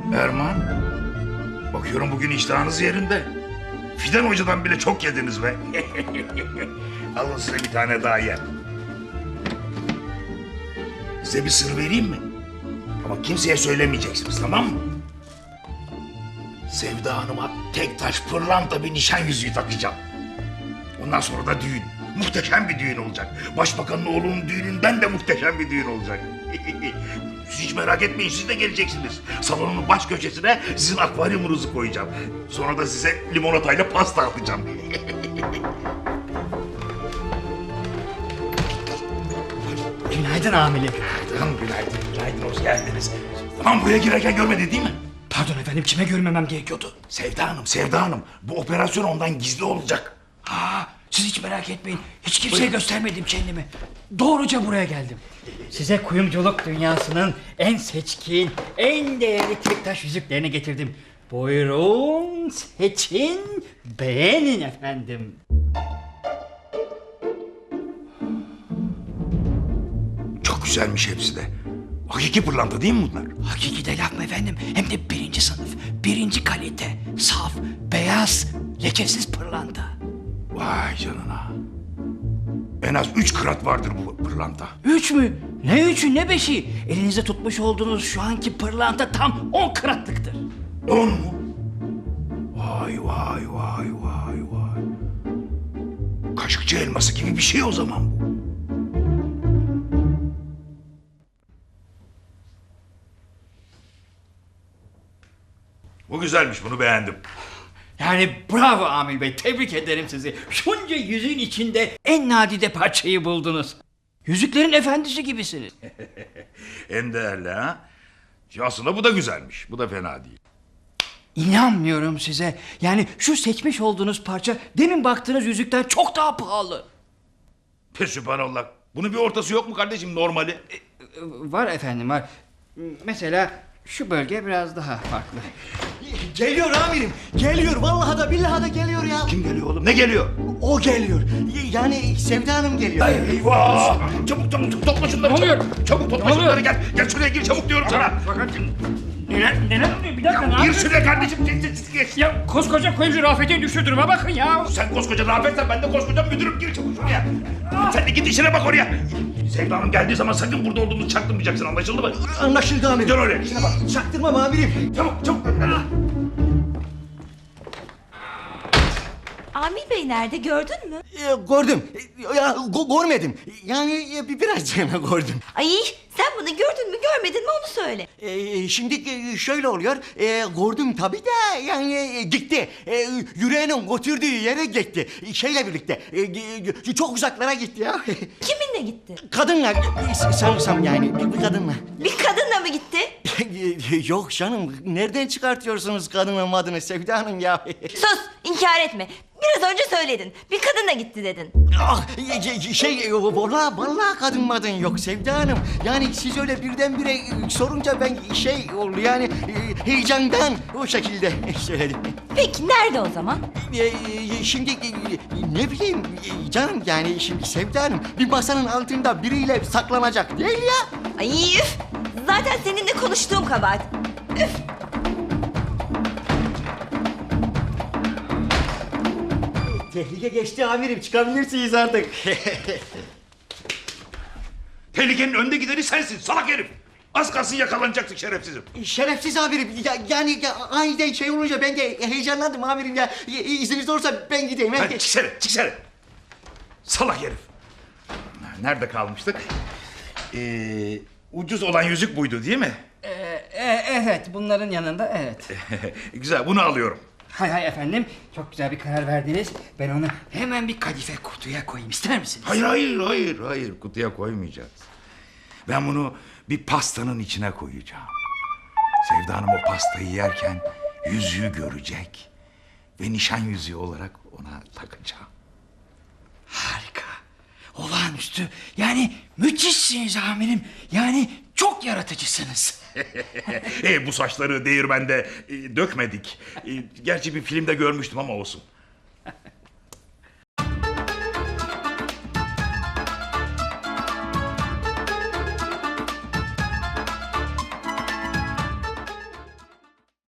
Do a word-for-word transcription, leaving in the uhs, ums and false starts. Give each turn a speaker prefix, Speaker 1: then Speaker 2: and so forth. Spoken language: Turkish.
Speaker 1: Erman, bakıyorum bugün iştahınız yerinde. Fidan Hoca'dan bile çok yediniz be. Alın size bir tane daha yer. Size bir sır vereyim mi? Ama kimseye söylemeyeceksiniz, tamam mı? Sevda Hanım'a tek taş pırlanta bir nişan yüzüğü takacağım. Ondan sonra da düğün. Muhteşem bir düğün olacak. Başbakanın oğlunun düğününden de muhteşem bir düğün olacak. Siz hiç merak etmeyin, siz de geleceksiniz. Salonun baş köşesine sizin akvaryumunuzu koyacağım. Sonra da size limonatayla pasta atacağım.
Speaker 2: Günaydın amirim.
Speaker 1: Günaydın, günaydın, günaydın, hoş geldiniz. Tamam, buraya girerken görmedi değil mi?
Speaker 2: Pardon efendim, kime görmemem gerekiyordu?
Speaker 1: Sevda Hanım, Sevda Hanım. Bu operasyon ondan gizli olacak.
Speaker 2: Ha, siz hiç merak etmeyin. Hiç kimseye göstermedim kendimi. Doğruca buraya geldim. Size kuyumculuk dünyasının en seçkin, en değerli tek taş yüzüklerini getirdim. Buyurun, seçin, beğenin efendim.
Speaker 1: Çok güzelmiş hepsi de. Hakiki pırlanta değil mi bunlar?
Speaker 2: Hakiki de laf mı efendim? Hem de birinci sınıf, birinci kalite, saf, beyaz, lekesiz pırlanta.
Speaker 1: Vay canına. En az üç krat vardır bu pırlanta.
Speaker 2: Üç mü? Ne üçü ne beşi? Elinizde tutmuş olduğunuz şu anki pırlanta tam on kratlıktır.
Speaker 1: On mu? Vay vay vay vay vay. Kaşıkçı elması gibi bir şey o zaman bu. Bu güzelmiş, bunu beğendim.
Speaker 2: Yani bravo Amil Bey, tebrik ederim sizi. Şunca yüzüğün içinde en nadide parçayı buldunuz. Yüzüklerin efendisi gibisiniz.
Speaker 1: En değerli ha? Ya aslında bu da güzelmiş. Bu da fena değil.
Speaker 2: İnanmıyorum size. Yani şu seçmiş olduğunuz parça demin baktığınız yüzükten çok daha pahalı.
Speaker 1: Pe sübhanallah. Bunun bir ortası yok mu kardeşim, normali?
Speaker 2: E, Var efendim, var. Mesela şu bölge biraz daha farklı.
Speaker 3: Geliyor amirim. Geliyor. Vallahi da billahi da geliyor ya.
Speaker 1: Kim geliyor oğlum? Ne geliyor?
Speaker 3: O geliyor. Yani Sevda Hanım geliyor.
Speaker 1: Ay, eyvah! Çabuk çabuk topla şunları.
Speaker 2: Ne oluyor?
Speaker 1: Çabuk, çabuk topla
Speaker 2: Ne oluyor?
Speaker 1: şunları, gel. Gel şuraya gir çabuk diyorum sana.
Speaker 2: Fakat neler, neler oluyor? Bir dakika, ne
Speaker 1: Gir
Speaker 2: yapıyorsun?
Speaker 1: şuraya kardeşim. Geç, geç, geç.
Speaker 2: Ya koskoca kuyumcu Rafet'in düştüğü duruma bakın ya.
Speaker 1: Sen koskoca Rafet'sen ben de koskoca müdürüm. Gir çabuk şuraya. Sen de git işine bak oraya. Sevda Hanım geldiği zaman sakın burada olduğumuzu çaktırmayacaksın, anlaşıldı mı?
Speaker 3: Anlaşıldı amirim.
Speaker 1: Dön oraya, işine bak.
Speaker 3: Çaktırmam amirim.
Speaker 1: Çabuk çabuk.
Speaker 4: Amil Bey nerede, gördün mü?
Speaker 3: Ee, gördüm. Ee, Ya go- görmedim. Yani e, bir birazcığına gördüm.
Speaker 4: Ay sen bunu gördün mü görmedin mi onu söyle.
Speaker 3: Ee, şimdi e, şöyle oluyor. Ee, gördüm tabii de yani e, gitti. Ee, yüreğinin götürdüğü yere gitti. Şeyle birlikte. E, e, çok uzaklara gitti ya.
Speaker 4: Kiminle gitti?
Speaker 3: Kadınla e, sanırsam yani bir, bir kadınla.
Speaker 4: Bir kadınla mı gitti?
Speaker 3: Yok canım, nereden çıkartıyorsunuz kadının adını Sevda Hanım ya?
Speaker 4: Sus, inkar etme. Biraz önce söyledin. Bir kadınla gitti dedin.
Speaker 3: Ah, şey, vallahi vallahi kadın madın yok Sevda Hanım. Yani siz öyle birdenbire sorunca ben şey oldu yani e, heyecandan o şekilde söyledim.
Speaker 4: Peki nerede o zaman?
Speaker 3: E, Şimdi e, ne bileyim e, canım, yani şimdi Sevda Hanım bir masanın altında biriyle saklanacak değil ya.
Speaker 4: Ay üf! Zaten seninle konuştuğum kabahat. Üf!
Speaker 3: Tehlike geçti amirim, çıkabilirsiniz artık.
Speaker 1: Tehlikenin önde gideni sensin salak herif. Az kalsın yakalanacaktık şerefsizim.
Speaker 3: Şerefsiz amirim, ya, yani ya, aniden şey olunca ben de heyecanlandım amirim ya. İ- İzniniz olursa ben gideyim.
Speaker 1: Hadi çıksana, çıksana. Salak herif. Nerede kalmıştık? Ee, ucuz olan yüzük buydu değil mi?
Speaker 2: Ee, e- evet, bunların yanında evet.
Speaker 1: Güzel, bunu alıyorum.
Speaker 2: Hay hay efendim, çok güzel bir karar verdiniz. Ben onu hemen bir kadife kutuya koyayım, ister misiniz?
Speaker 1: Hayır, hayır, hayır, hayır. Kutuya koymayacağız. Ben bunu bir pastanın içine koyacağım. Sevda Hanım o pastayı yerken yüzüğü görecek. Ve nişan yüzüğü olarak ona takacağım.
Speaker 2: Harika, olağanüstü, yani müthişsiniz amirim. Yani çok yaratıcısınız.
Speaker 1: e, bu saçları değirmende e, dökmedik. E, gerçi bir filmde görmüştüm ama olsun.